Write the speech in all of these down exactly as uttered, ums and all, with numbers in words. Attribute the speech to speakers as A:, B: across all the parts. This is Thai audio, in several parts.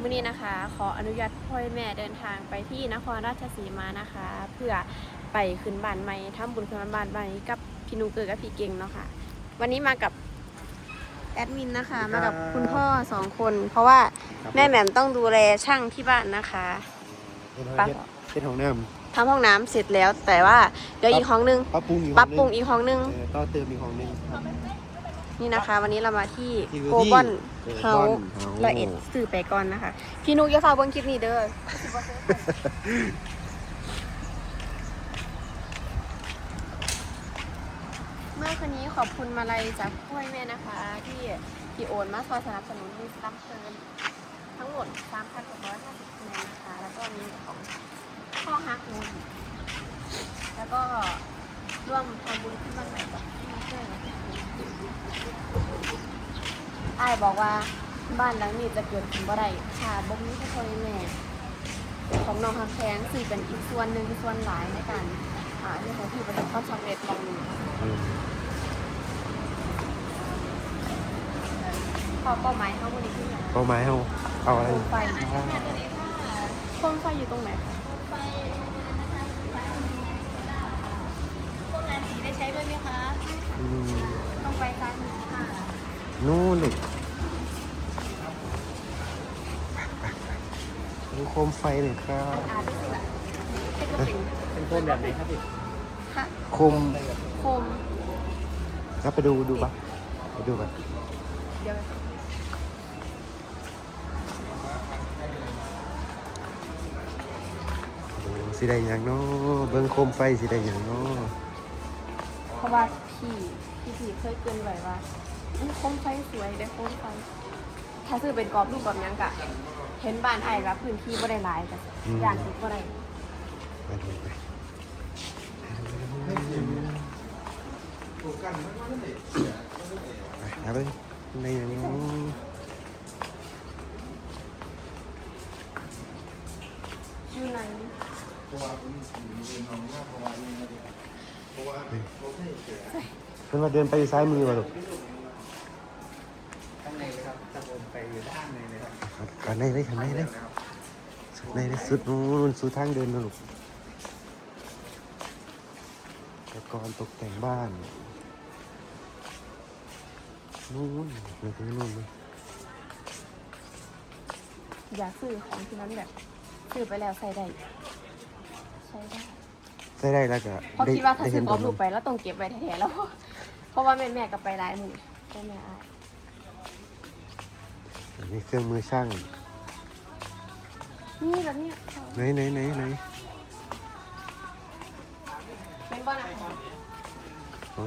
A: มื้อนี้นะคะขออนุญาตพ่อแม่เดินทางไปที่นครราชสีมานะคะ เพื่อไปขึ้นบ้านใหม่ทำบุญขึ้นบ้านใหม่กับพี่นุเกิดกับพี่เก่งเนาะค่ะวันนี้มากับแอดมินนะคะมากับคุณพ่อสองคน เพราะว่าแม่แหม่มต้องดูแลช่างที่บ้านนะคะ
B: ปั๊บเป็นห้องน้
A: ำทำห้องน้ำเสร็จแล้วแต่ว่าเดี๋ยวอีกห้องนึง
B: ำปรับปรุงอีก
A: ปรับปรุงอีกห้องนึง
B: ต่อเติมอีกห้องนึง
A: นี่นะคะวันนี้เรามาที่โกบอนเฮาละเอ็ดสื่อไปก่อนนะคะพี่นุกอย่าฝากเบิ่งคลิปนี้เด้อเมื่อคืนนี้ขอบคุณมาลัยจากพ่อแม่นะคะที่ที่โอนมาซอยสนับสนุนมีสลัมเชิญทั้งหมด สามพันหกร้อยห้าสิบ คะแนนนะคะแล้วก็มีของพ่อฮักนุนแล้วก็ร่วมทำบุญขึ้นบ้านใหม่กับพี่เพื่อนอ้ายบอกว่าบ้านหลังนี้จะเกิดขึ้นบ่ได้ค่ะบ่มีพ่อแม่ของน้องฮักแท้งสื่อเป็นอีกส่วนหนึ่งส่วนหลายในการอ่าเรื่องของที่ประสบความสำเร็จตรงนี้ข้อเป้าหมายเขาวันนี้คืออะไร
B: เป้าหมายเขาเอาอะไร
A: โคมไฟโคมไฟอยู่ตรงไหนคะไฟพวกงานสีได้ใช้ด้วยไหมคะต้องไปซ้ายมือค่ะ
B: นู่นเลยดูโคมไฟหน่อยครับ
C: เป็นโคมแบบไหนครับพี่
B: โคม
A: โคม
B: ครับไปดูดูปะไปดูกัน
A: เดี๋ยว
B: สีแดงอย่างน้อเบิ้งโคมไฟสีแดงอย่างน้อ
A: เพราะว่าพี่พี่พี่เคยเกินไว้ว่าโคมไฟสวยได้โคมไฟถ้าซื้อเป็นกรอบรูปแบบนี้กะเห็นบ้านไอ้กับพื้นที่บ่ได้หลายกันอย่างที่บ่ได้
B: ไปดูไปไปไปในอย่างนี้
A: อยู่ไหน
B: เป็นว่าเดินไปซ้ายมือมาลูก
C: ข้างในเลยครับตะบนไปอยู่ด้านในเลยครับ
B: ข้างในเลยข้างในเลยสุดในเลยสุดนู้นสุดทางเดินนะลูกอุปกรณ์ตกแต่งบ้านนู่นไปถึงนู่นเลย
A: อยากซื้อของที่นั้นแบบซื้อไปแล้วใส่ได้ใช้ได้
B: ใส่ได้แล้วก็
A: เพราะคิดว่าถ้าซื้อกรอบรูปไปแล้วต้องเก็บไว้แท้ๆแล้วเพราะว่าแม่แม่กับไปหลายมือแม่แม่อาย
B: อันนี้เครื่องมือช่าง
A: นี่แบบนี้
B: ไหนไหนไหนไหน
A: เป็นบ้านอะไร
B: อ๋อ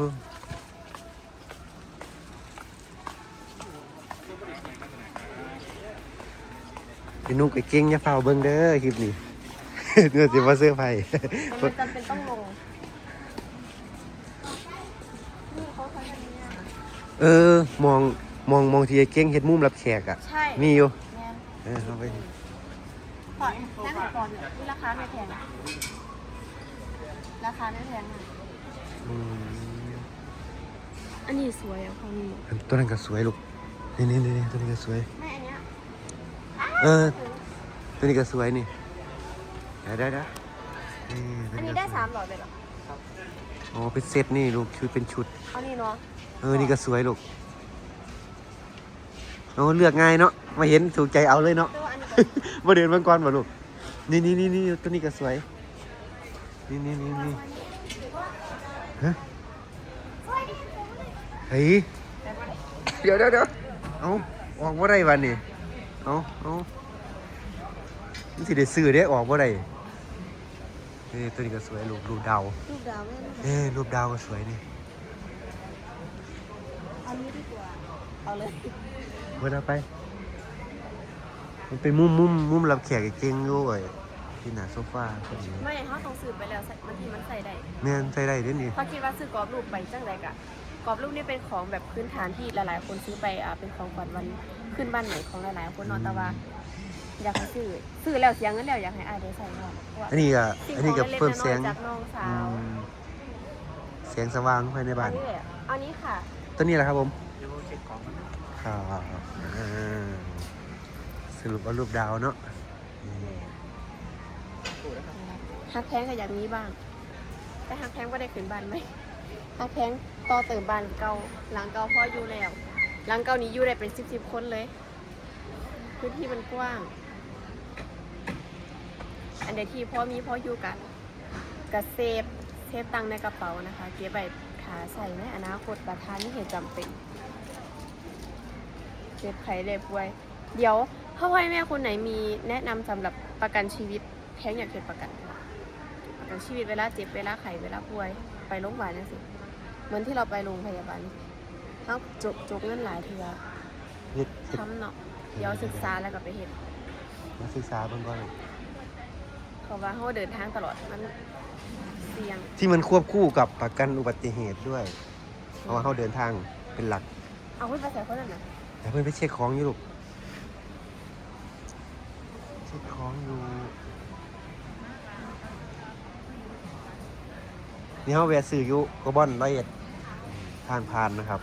B: พี่นุ๊กไอ้เก่งอย่าเฝ้าเบิ้งเด้อคลิปนี้เนื้อสิว่าเสื้อไผ่
A: มันจำเป็นต้องลง
B: เออมองมองมองทีไอ้เก่งเฮ็ดมุมรับแขกอ่ะมีอยู่เออเอาไป
A: ก่อนนั่งก่อนเนี่ยนี่ราคาไม่แพงราคาไม่แพงอันนี้สวยอ่ะพอมี
B: ตัวนั้นก็สวยลูกนี่นี่นี่ตัวนี้ก็สวย
A: ไม่อันเนี้ย
B: เออตัวนี้ก็สวยนี่ได้ได้ได้
A: อันนี้ได้สามหลอดเลยเหรอ
B: อ๋อเป็นเซตนี่ลูกคือเป็นชุด
A: อันนี้เนาะ
B: เออนี่ก็สวยลูกโอ้เลือกง่ายเนาะมาเห็นถูกใจเอาเลยเนาะมาเดินมังกรมาลูกนี่นี่นี่นี่ตัวนี้ก็สวยนี่นี่นี่นี่ฮะเฮ้ยเดี๋ยวเดี๋ยวเดี๋ยวเอาออกว่าไรวันนี้เอาเอานี่สิเดี๋ยวซื้อเดี๋ยวออกว่าไรนี่ตัวนี้ก็สวยรูปรูปดาว
A: รูปดาว
B: เอ้รูปดาวก็สวยนี่
A: อันนี้ดีกว่าเอาเลย
B: เมื่อไปมันเป็นมุมมุมมุมรับแขกเก่งด้วยที่หน้าโซฟาคนนี้
A: ไม่เขาต้องซื้อไปแล้วบางทีมันใส่ได้
B: เนี่ยใส่ได้เด้นี่
A: เขาคิดว่าซื้อกรอบรูปไปจังไรกะกรอบรูปนี่เป็นของแบบพื้นฐานที่หลายๆคนซื้อไปอ่ะเป็นของขวัญวันขึ้นบ้านใหม่ของหลายๆคนนอนแต่ว่าอยากให้ซื้อซื้อแล้วเสียเงินแล้วอยากให้อายได้ใส่ก่อน
B: อันนี้ก็อันนี้ก็เพิ่มแสง
A: จากน้องสาว
B: แสงสว่างภายในบ้าน
A: อันนี้ค่ะ
B: ตัวนี้แหละครับผมครับสรุปว่ารูปดาวเนาะ
A: ฮักแพงก็อยากมีบ้าง แต่ฮักแพงก็ได้ขึ้นบ้านไหมฮักแพงต่อเติมบ้านเก่าหลังเก่าพ่ออยู่แล้วหลังเก่านี้อยู่ได้เป็นสิบสิบคนเลยพื้นที่มันกว้าง อันใดที่พ่อมีพ่ออยู่กับกับเซฟเซฟตังค์ในกระเป๋านะคะเก็บไว้ขาใส่ในอนาคตประทานที่เหตุจำเป็นเจ็บไข้ได้ป่วย เดี๋ยวพ่อพ่อแม่คนไหนมีแนะนำสำหรับประกันชีวิตแพงอยากเก็บประกันประกันชีวิตเวลาเจ็บเวลาไข้เวลาป่วยไปโรงพยาบาลนั่นสิเหมือนที่เราไปโรงพยาบาลเขาจกจกเงินหลายเทื่อ
B: เฮ็ดเฮ็ด
A: ทำเนาะเดี๋ยวศึกษาแล้วก็ไปเห็น
B: มาศึกษาเบิ่งก่อน
A: เพราะว่าเขาเดินทางตลอดมันเสี่ยง
B: ที่มันควบคู่กับประกันอุบัติเหตุด้วย เพราะว่าเขาเดินทางเป็นหลัก
A: เอาไว้ไปใส่คนนั้นนะ
B: แต่เพื่อนไปเช็คของอยู่ลูกเช็คของอยู่นี่เขาแวะซื้ออยู่กบอนร้อยเอ็ดทางผ่านนะครับ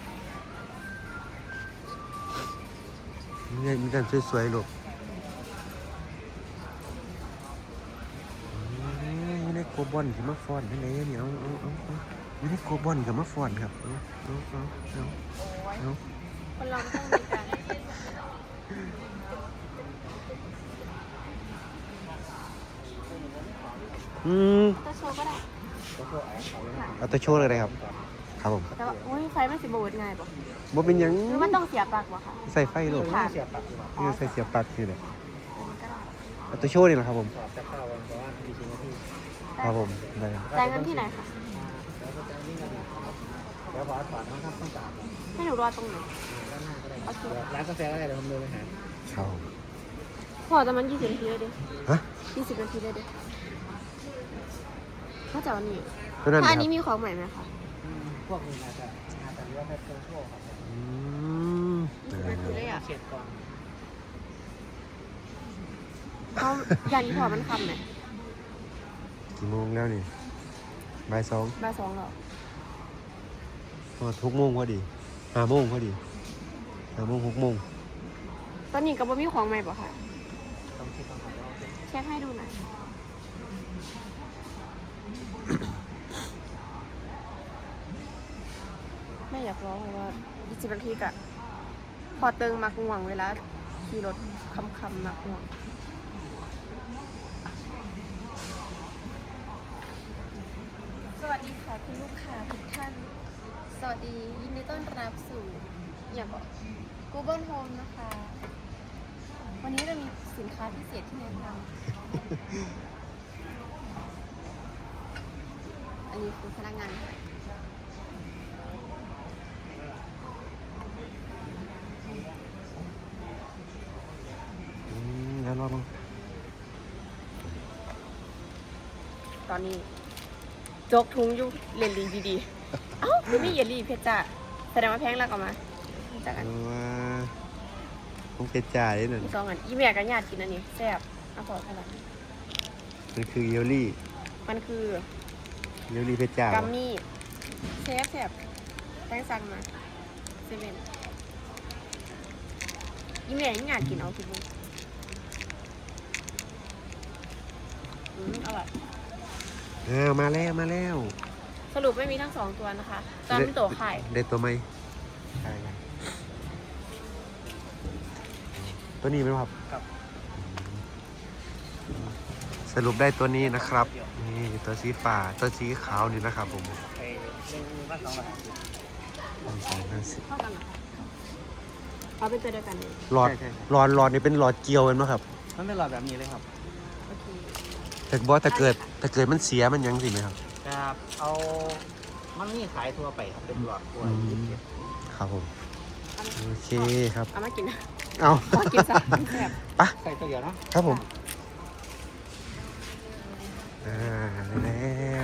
B: นี่มีกันสวยๆลูกนี่ในโกบอนที่มาฟอนนั่นเองเนี่ยเอาเอาเอาเอานี่ในโกบอนกับมาฟอนครับเอาเอาเอาเอาเอา
A: คนเราต้องมีการ
B: อืม
A: ตัวโชว์ก็ได้
B: เอาตัวโชว์เลยนะครับ ครับผม
A: แต่ว่าอุ้ยไฟมันสิบวดง่ายปะ
B: บ่เป็นหยัง
A: หรือมันต้องเสียบปลั๊กวะค่ะ
B: ใส่ไฟลูก
A: ค่ะ
C: เสียบปลั๊กดีกว่า
B: นี่ใส่เสียบปลั๊กนี่เลย
A: อันนี้ก็ได้
B: เอาตัวโชว์นี่แหละครับผม
C: สอบจะเข้าวันเพราะว่ามีชิ้นที่
B: ครับผมได้ครับ
A: จ่ายเงินที่ไหนคะ
C: แล้วก็จะนี่กันเดี๋ยวขอถอนนะครับต้องจ่าย
A: ให้หนูรอตรงไหน
C: ด้านหน้าก็ได้ร้านกาแฟก็ได้เดี๋ยวผมเดินไปหา
B: ครับ
A: พอแต่มันยี่สิบนาทีเลยดิ
B: ฮะ
A: ยี่สิบนาทีเลยดิเขาจะเอานี่
B: ตัวนั้น
A: ถ้า
B: นะ
A: อัน
B: ครั
A: นี้
B: บ
A: มีของใหม่ไหมคะ
C: พวกนี้อาจจะอาจจะเรียกว่าเป็นพวกครับ
B: อืม
A: ยี่สิบนาทีเลยอ่ะ
C: เช็ดก่อน
A: เขาอย่างนี้พอมันคำไหม
B: กี่โมงแล้วนี่บ่ายสอง
A: บ่ายสองหรอ
B: พอทุกโมงพอดีห้าโมงพอดีห้าโมงหกโมง
A: ตอนนี้ก็บ่มีของใหม่ป่ะค่ะ
C: ต้องคิดต้องทำว่าเป็น
A: เช็คให้ดูหน่อยไม่อยากร้องเพราะว่ายี่สิบนาทีกะพอเติงมักง่วงเวลาขี่รถคำคำๆมักง่วงสวัสดีค่ะคุณลูกค้าทุกท่าน สวัสดียินดีต้อนรับสู่อย่าบอก Google Home นะคะ วันนี้เรามีสินค้าพิเศษที่แนะนำ อันนี้คือพนักงานขาย
B: อืมแล้วรอบ้าง
A: ตอนนี้จกทุงอยู่เล่นดีดีๆเอ้าคือไม่เยลลี่เพชรจ้าแสดงว่าแพงแล้วก็มาจากอัน
B: เอาว่าผมเกจ่ายนี่นั่น
A: มีสองอันอีแม่กับญาติกินอันนี้แซ่บเอาพอเท่าไหร่
B: มันคือเยลลี่
A: มันคือ
B: เยลลี่เพชรจ้า
A: กัมมี่เชฟแซ่บแตงสั่งมาเซเว่นอีแม่ยังญาติกินเอาคิดดูอืมอร่อย
B: อ้าวมาแล้วมาแล้ว
A: สรุปไม่มีทั้งสองตัวนะคะตอนนี้ตัวไข่
B: ได้ตัวไหมใช่ครับตัวนี้ไหมครับ
C: กับ
B: สรุปได้ตัวนี้นะครับ นี่ตัวสีฟ้าตัวสีขาวนี่นะครับผม
C: ไปเล่นว่าสองบาท
B: หนึ่งสองห้าสิบ
A: เท่ากันเหรอคะเอาเป็นตัวเดียวกันเลย
B: หลอดหลอดหลอดนี่เป็นหลอดเกลียวเห็นไหมครับ
C: มันเป็นหลอดแบบนี้เลยครับ
A: โอเค
B: แต่บอสถ้าเกิดถ้าเกิดมันเสียมันยังสิไหมครับ
C: ครับเอามันมีขายทั่วไปครับเป็นหลอดทั่ว
B: อืม
C: ยี่สิบ
B: ครับผม
A: เอามา
B: โอเคครับ
A: เอามากินนะ
B: เอา
A: เอามากินซะแซ่บ
C: ใส่ตัวเดียวเนาะ
B: ครับผมอ่าได้แล้ว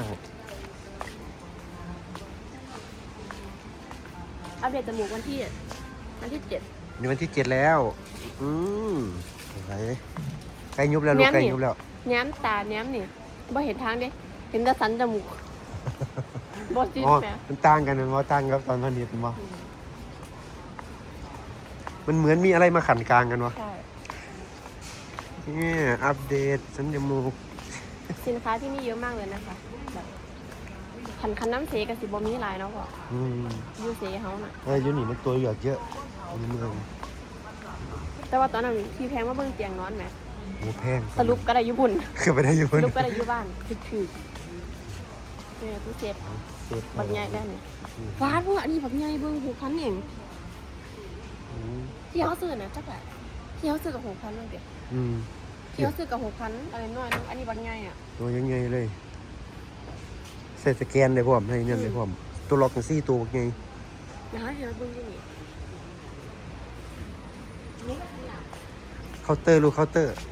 A: อัปเดตจมูกวันที่วันที่เจ็ด
B: นี่วันที่เจ็ดแล้ว อืมไหนใกล้ยุบแล้วลูก
A: แม่ม
B: ใกล้
A: นี่
B: ยุบแล้ว
A: แง้มตาแง้มนี่บ่เห็นทางเด้เห็นแต่สันจมูกบ่จิต
B: อ๋อ
A: แหม
B: มันต่างกันมันว่าต่างกับตอนพันนิดมั้มันเหมือนมีอะไรมาขันกลางกันวะ
A: ใช่
B: นี่อัปเดตสัญญามูก
A: สินค้าที่นี่เยอะมากเลยนะคะแบบคันคันน้ำเสกับสิบมีหลายเนาะพ่อ
B: อืม
A: ยูเสเฮาน่ะ
B: เอออยู่นี่มันตัวเหลือกเยอะในเมือง
A: แต่ว่าตอนนั้นพี่แพงว่าเบิ่งเตียงนอนไหม
B: โอ้แพง
A: สรุปก็ได้อยุบุญ
B: คือไปได้อยู่
A: ส
B: บน
A: รุปก็ได้อยุบ้านคือคือเนี่ยตู้เซฟ
B: เจ็บ
A: บักใหญ่ได้เนี่ยฟาดพวกอันนี้บักใหญ่เบิ่งหกพันเอง
B: อืม
A: ที่เขาซื้อน่ะจักแหละที่เขาซื้อกับหกพันนั่นเดียว
B: อืม
A: ที่เขาซื้อกับหกพันอะไรน้อยนึงอันนี้บักใหญ่อ่ะ
B: ตัวยังไงเลยใส่สแกนเลยพร้อมให้เงินเลยพร้อมตัวล็อกกันซี่ตัวไง
A: นะฮะเดี๋ยวเราเบิ่งที่นี่นี่
B: เคาน์เตอร์ลูกเคาน์เตอร์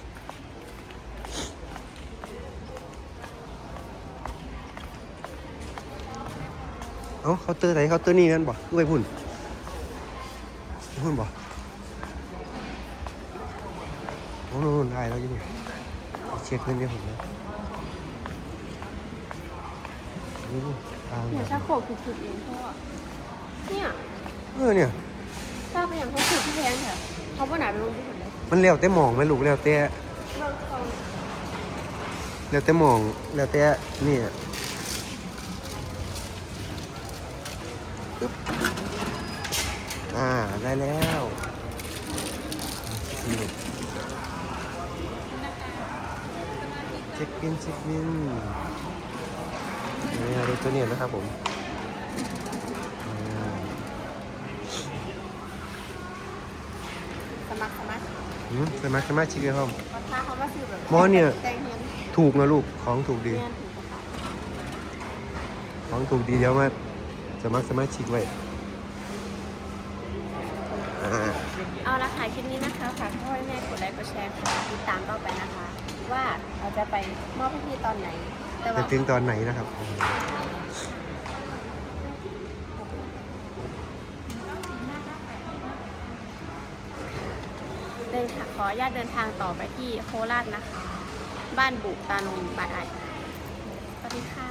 B: เอ้าเคาน์เตอร์ไหนเคาน์เตอร์นี่นั่นบ่กูไปพุ่นไปพุ่นบ่โอ้โหได้แล้วอยังไงเช็คเงินเดี๋ยวผมนะนี่ตาม
A: เนี่ยชาโคกคือๆเองเพราะว่าเนี่ย
B: เออเนี่ย
A: ทราบไปอย่างเขาคือที่แพงแถวเขาว่าไหนไปลงที่สุดเลย
B: มันแล้วแต่หมองไหมลูกแล้วแต่
A: เราเขา
B: แล้วแต่หมองแล้วแต่นี่ปึ๊บอ่าได้แล้วนี่เช็คบินเช็คบินนี่รถตัวนี้นะครับผมอ่า
A: สมัครสมัคร
B: อืมสมัครสมาชิกเลยครับ
A: ราคาเขาว่าซื้อแบบ
B: หมอเนี่ย
A: แตงเงิน
B: ถูกนะลูกของถูกดี
A: เงินถูกกว่า
B: ของถูกดีเดี๋ยวมาสมัครสมาชิกไว้อ่า
A: เอาละค่ะคลิปนี้นะคะฝากพ่อแม่กดไลค์กดแชร์กดติดตามต่อไปนะคะ ว่าเราจะไปมอบให้พี่ตอนไหน แต่
B: จะ
A: ว่า
B: ถึงตอนไหนนะครับ
A: เดินทางขออนุญาตเดินทางต่อไปที่โคราชนะคะ บ้านบุตานนท์บายไอสวัสดีค่ะ